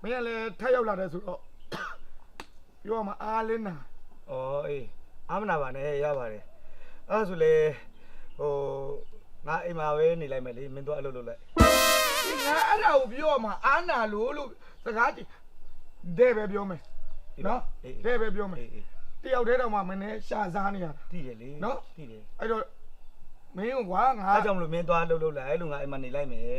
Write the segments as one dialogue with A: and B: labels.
A: င်းကလည်းထက်ရောက်လာတယ်ဆိုတော့ပြောမှာအားလင်းနာ
B: ဩအေးအားမနာပါနဲ့ရပါတယ်အဲ့ဆိုလေဟိုငါအိမ်မှာပဲနေလိုက်မယ်လေမင်းတို့အလုပ်လုပ်လိုက်
A: ငါအဲ့ဒါကိုပြောမှာအားနာလို့စကားကြည့်တဲ့ပဲပြောမယ်နော်တဲ့ပဲပြောမယ်တယောက်တည်းတော့မှမင်းနဲ့ရှာစားနေရတာ
B: သိတယ်လေ
A: နော်
B: သိတယ်
A: အဲ့တော့မင်းကကွာငါ
B: အားကြောင့်မလို့မင်းသွားလှုပ်လိုက်လို့ငါအိမ်မှာနေလိုက်မယ်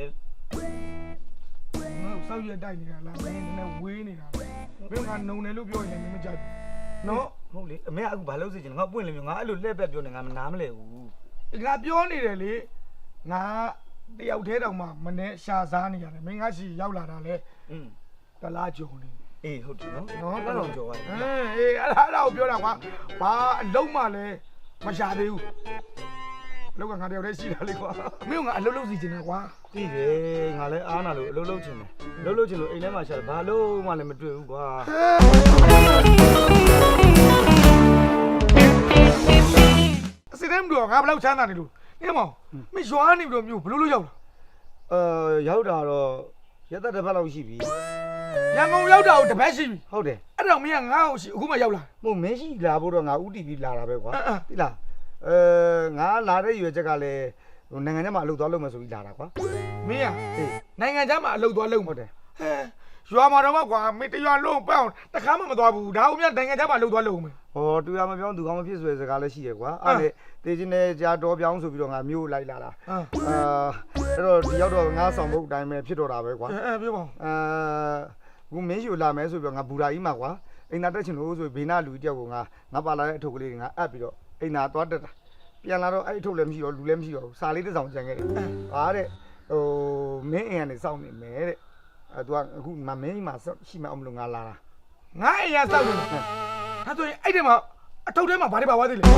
A: ငါစောက်ရတိုက်နေတာလားမင်းနဲ့ဝေးနေတာမင်းကနုံတယ်လို့ပြောရင်လည်းမင်းမကြိုက်ဘူးနော်
B: ဟုတ်လေအမေကအခုဘာလုပ်စေချင်လဲငါပွင့်လေမျိုးငါအဲ့လိုလှည့်ပက်ပြောနေငါမနားမလဲဘူး
A: ငါပြောနေတယ်လေငါတယောက်တည်းတော့မှမနဲ့ရှာစားနေရတယ်မင်းကစီရောက်လာတာလေတလားကြုံနေ
B: အေးဟုတ်တယ်နော်တော့ကြော်ရတယ်
A: အေးအဲ့ဒါကိုပြောတာကွာဘာအလုံးမှလည်းမရှာသေးဘူးအလုံးကငါတယောက်တည်းရှိတာလေကွာမင်းကငါအလုံးလုံးစီချင်တယ်ကွာ
B: သိတယ်ငါလည်းအားနာလို့အလုံးလုံးချင်တယ်လုံးလုံးချင်လို့အိမ်ထဲမှာရှာတယ်ဘာလို့မှလည်းမတွေ့ဘူးကွာ
A: အစစ်တယ်မလို့ငါဘယ်လောက်ချမ်းသာနေလို့နေမောင်မင်းရွာနေပြီးတော့မျိုးဘလို့ရောက်
B: လာရောက်တာတော့ရက်သက်တစ်ပတ်လောက်ရှိပြီ
A: ရန်ကုန်ရောက်တာကိုတစ်ပတ်ရှိပြီ
B: ဟုတ်တယ်
A: အဲ့တော့မင်းကငါ့ကိုရှိအခုမှရောက်လာ
B: မဟုတ်မင်းရှိလာဖို့တော့ငါဥတီပြီးလာတာပဲကွာသိလားငါလာတဲ့ရွယ်ချက်ကလည်းနိုင်ငံခြားမှာအလုပ်သွားလုပ်မယ်ဆိုပြီးလာတာကွာ
A: မင်းနိုင်ငံခြားမှာအလုပ်သွားလုပ်မှာတယ်ဟဲရွာမှာတော့ကွာမင်းတရွာလုံးပန်းတခါမှမသွားဘူးဒါဦးမြနိုင်ငံခြားမှာအလုပ်သွားလုပ်မယ်
B: ဟောတူရမပြောင်းသူကောင်းမဖြစ်ဆိုတဲ့စကားလည်းရှိရကွာအဲ့လေတေချင်းနဲ့ကြာတော်ပြောင်းဆိုပြီးတော့ငါမျိုးလိုက်လာတာအဲ့တော့ဒီရောက်တော့ငါဆောင်ဖို့အတိုင်းပဲဖြစ်တော့တာပဲကွာ
A: ပြောပါ
B: ခုမင်းယူလာမယ်ဆိုပြီးတော့ငါဘူရာကြီးမှာကွာအိမ်သာတက်ချင်လို့ဆိုဘေးနာလူကြီးတယောက်ကငါပါလာတဲ့အထုပ်ကလေးငါအပ်ပြီးတော့အိမ်သာသွားတက်တာပြန်လာတော့အဲ့အထုပ်လည်းမရှိတော့လူလည်းမရှိတော့ဘူးစာလေးတစ်စောင်ကျန်ခဲ့တယ်ဟာတဲ့ဟိုမင်းအိမ်ကနေစောင့်နေမယ်တဲ့သူကအခုမင်းကြီးမှာရှိမှအောင်မလို့ငါလာတာ
A: ငါအိမ်ရစောင့်နေတယ်ဟာဆိုရင်အဲ့ဒီမှာအထုပ်ထဲမှာဘာတွေပါသွားသေးလဲ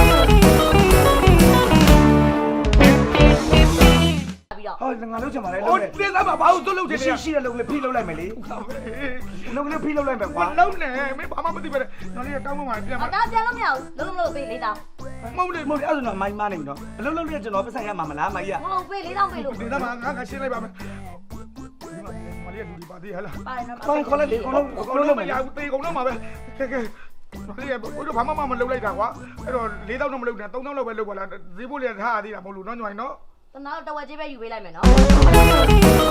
B: ဟောငါလုပ်ချင်ပါလေ
A: လုပ်တယ်တင်းသားမှာဘာလို့သွတ်လုပ်ချင်လဲ
B: ရှိတဲ့လုပ်လေးဖိလုပ်လိုက်မယ်လေလုပ်လေးဖိလုပ်လိုက်မယ်ကွာ
A: လုံးနေမင်းဘာမှမသိပဲနော်လေးတောင်းမှမှာပြန်
C: မှာဒါပြန်လို့မရဘူးလုံးလုံးပေး၄တောင်း
A: မဟုတ်လေ
B: အဲ့ဒါတော့မိုင်းမနေဘူးနော်အလုပ်လုပ်လေးကျွန်တော်ပတ်ဆိုင်ရမှာမလားမိုင်းရ
C: မဟုတ်ပေး၄တောင်းပေးလို့
A: တင်းသားမှာငါရှင်းလိုက်ပါမယ်မလေးလူဒီပါသေးဟလား
C: ပါနော်
B: ပါခေါ်လိုက်လေခေါ်
A: လို့မရဘူးတေကုန်တော့မှာပဲကဲကဲမလေးဘိုးတို့ဘာမှမလုပ်လိုက်တာကွာအဲ့တော့၄တောင်းတော့မလုပ်နဲ့၃တောင်းလောက်ပဲလုပ်ပါလားဈေးဖို့လေးထားရသေးတာမဟုတ်လို့နော်ညီမနော်
C: တနာတော့တဝက်ကြီးပဲယူပေးလိုက်မယ်နော်